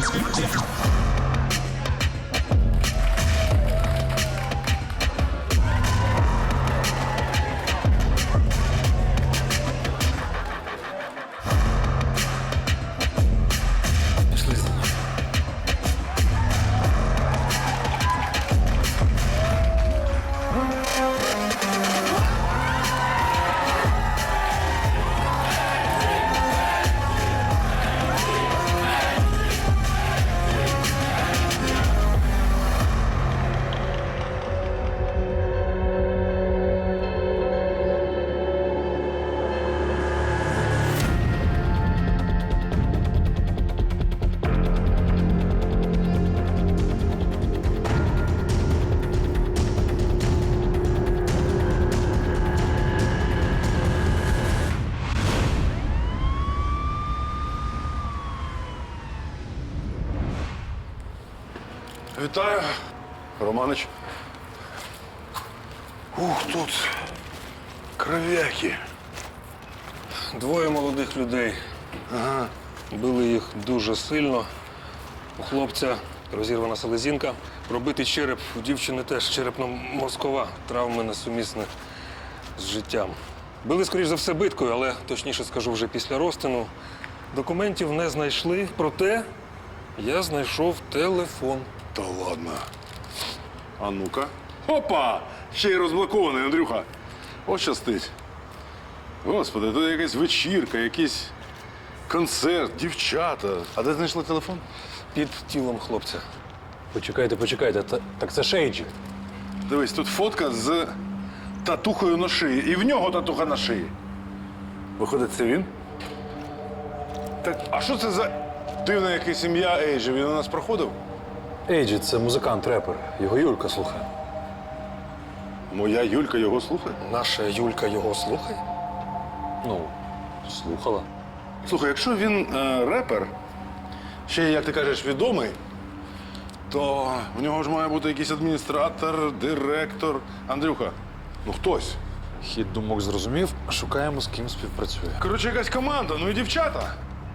Пішли за мною. Вітаю, Романич. Ух, тут кров'яки. Двоє молодих людей. Ага. Били їх дуже сильно. У хлопця розірвана селезінка. Пробитий череп, у дівчини теж черепно-мозкова. Травми несумісні з життям. Били, скоріш за все, биткою, але точніше скажу вже після розтину. Документів не знайшли, проте я знайшов телефон. Та ладно. А ну-ка. Опа! Ще й розблокований, Андрюха. От щастить. Господи, тут якась вечірка, якийсь концерт, дівчата. А де знайшли телефон? Під тілом хлопця. Почекайте, так це ж Ейджі. Дивись, тут фотка з татухою на шиї. І в нього татуха на шиї. Виходить, це він? Так, а що це за дивна якась ім'я Ейджі? Він у нас проходив? Ейджі – це музикант, репер. Його Юлька слухає. Моя Юлька його слухає? Наша Юлька його слухає? Ну, слухала. Слухай, якщо він репер, ще, як ти кажеш, відомий, то в нього ж має бути якийсь адміністратор, директор. Андрюха, ну хтось. Хід думок зрозумів, шукаємо, з ким співпрацює. Коротше, якась команда, ну і дівчата.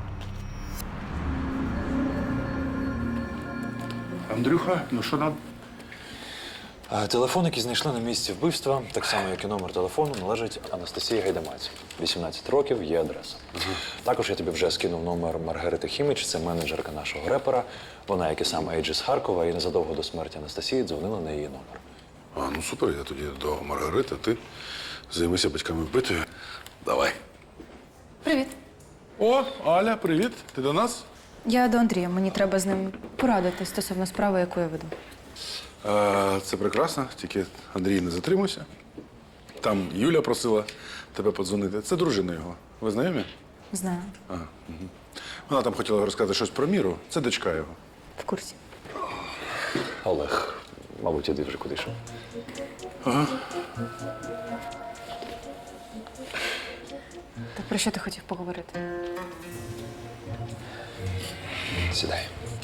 Андрюха, ну що нам? Телефон, який знайшли на місці вбивства, так само, як і номер телефону, належить Анастасії Гайдамаці. 18 років, є адреса. Також я тобі вже скинув номер Маргарити Хіміч, це менеджерка нашого репера. Вона, як і сам Ейджі з Харкова, і незадовго до смерті Анастасії дзвонила на її номер. А, ну супер, я тоді до Маргарити, ти займися батьками вбитою. Давай. Привіт. О, Аля, привіт. Ти до нас? Я до Андрія. Мені треба з ним порадити стосовно справи, яку я веду. Це прекрасно, тільки Андрій, не затримуйся. Там Юля просила тебе подзвонити. Це дружина його. Ви знайомі? Знаю. Вона там хотіла розказати щось про Міру. Це дочка його. В курсі. Олег, мабуть, іди вже куди йшов. Так про що ти хотів поговорити? Сідай.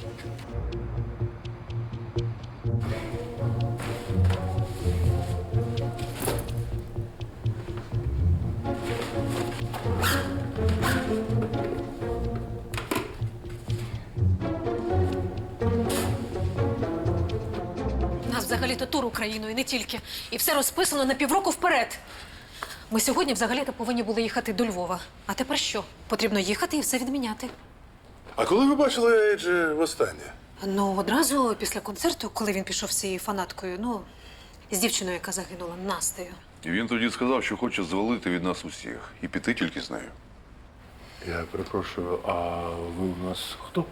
У нас взагалі-то тур Україною, не тільки. І все розписано на півроку вперед. Ми сьогодні взагалі-то повинні були їхати до Львова. А тепер що? Потрібно їхати і все відміняти. А коли ви бачили Ейджі востаннє? Ну, одразу після концерту, коли він пішов з цією фанаткою, ну, з дівчиною, яка загинула, Настею. І він тоді сказав, що хоче звалити від нас усіх і піти тільки з нею. Я перепрошую, а ви у нас хто?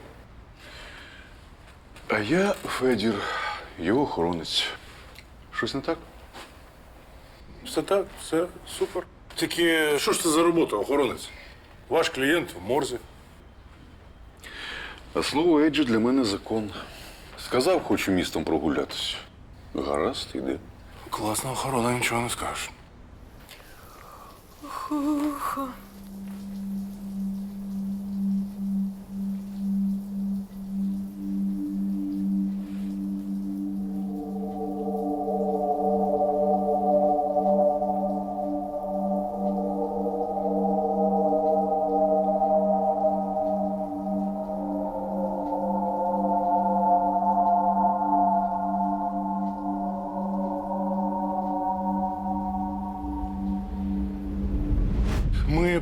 А я Федір, його охоронець. Щось не так? Все так, все супер. Тільки що ж це за робота, охоронець? Ваш клієнт в морзі. А слово Еджі для мене закон. Сказав, хочу містом прогулятися. Гаразд, іди. Класна охорона, нічого не скажеш.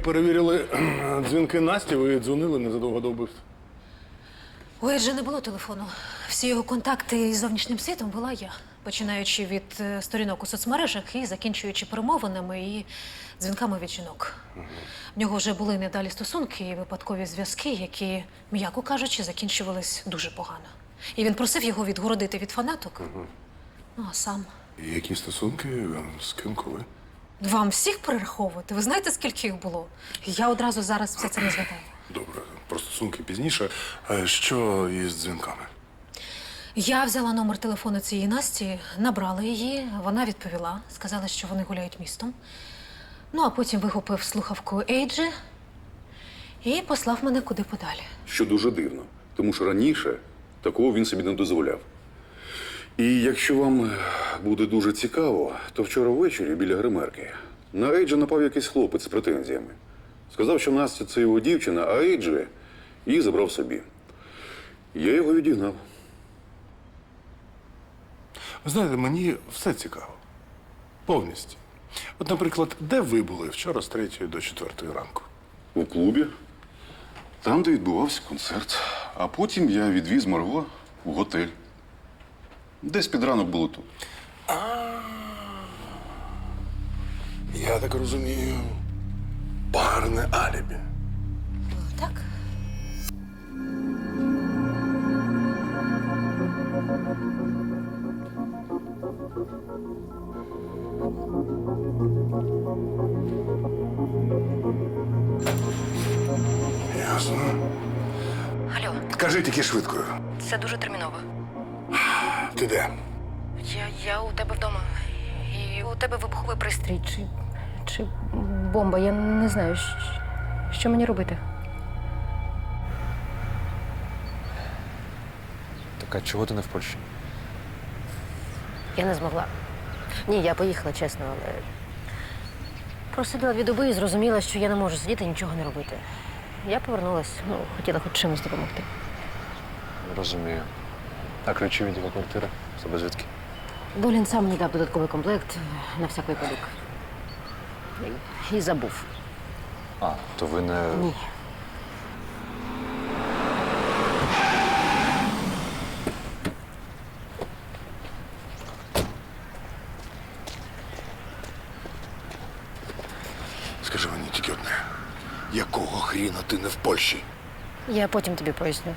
перевірили дзвінки Насті, ви дзвонили незадовго до вбивства. У Еджа не було телефону. Всі його контакти із зовнішнім світом була я. Починаючи від сторінок у соцмережах і закінчуючи перемовинами і дзвінками від жінок. В нього вже були недалі стосунки і випадкові зв'язки, які, м'яко кажучи, закінчувались дуже погано. І він просив його відгородити від фанаток. Ну, а сам. І які стосунки? З ким, коли? Вам всіх перераховувати? Ви знаєте, скільки їх було? Я одразу зараз все це не згадаю. Добре, про стосунки пізніше. А що із дзвінками? Я взяла номер телефону цієї Насті, набрала її, вона відповіла, сказала, що вони гуляють містом. Ну, а потім вихопив слухавку Ейджі і послав мене куди подалі. Що дуже дивно, тому що раніше такого він собі не дозволяв. І якщо вам буде дуже цікаво, то вчора ввечері біля гримерки на Ейджа напав якийсь хлопець з претензіями. Сказав, що Настя – це його дівчина, а Ейджі її забрав собі. Я його відігнав. Ви знаєте, мені все цікаво. Повністю. От, наприклад, де ви були вчора з 3 до 4 ранку? У клубі, там, де відбувався концерт. А потім я відвіз Марго в готель. Десь під ранок було тут. Я так розумію, парне алібі. Так? Ясно. Алло, Кажи тільки швидко. це дуже терміново. Ти де? Я у тебе вдома. І у тебе вибуховий пристрій. Чи бомба? Я не знаю, що мені робити. Так а чого ти не в Польщі? Я не змогла. Ні, я поїхала, чесно, але просиділа 2 доби і зрозуміла, що я не можу сидіти і нічого не робити. Я повернулась, хотіла хоч чимось допомогти. Розумію. А ключі від його квартири? З тебе звідки? Долін сам мені дав додатковий комплект на всяк випадок. І забув. А, то ви не... Ні. Скажи мені тільки одне. Якого хріна ти не в Польщі? Я потім тобі поясню.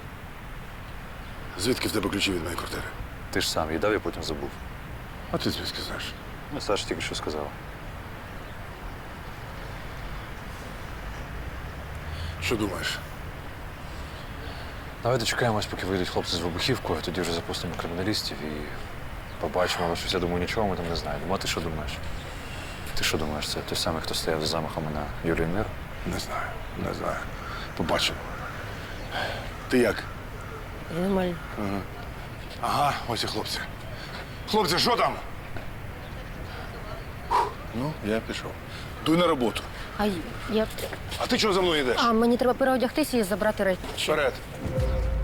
Звідки в тебе ключі від моєї квартири? Ти ж сам їй дав, я потім забув. А ти звідки знаєш? Ну, Саша тільки що сказав. Що думаєш? Давай дочекаємось, поки вийдуть хлопці з вибухівкою, тоді вже запустимо криміналістів і побачимо, але щось, я думаю, нічого ми там не знайдемо. А ти що думаєш? Ти що думаєш, це той самий, хто стояв за замахами на Юлію Мир? Не знаю. Побачимо. Ти як? Нормально. Ага, ось і хлопці. Хлопці, що там? Ну, я пішов. Дуй на роботу. А я. А ти чого за мною йдеш? А мені треба переодягтися і забрати речі. Вперед.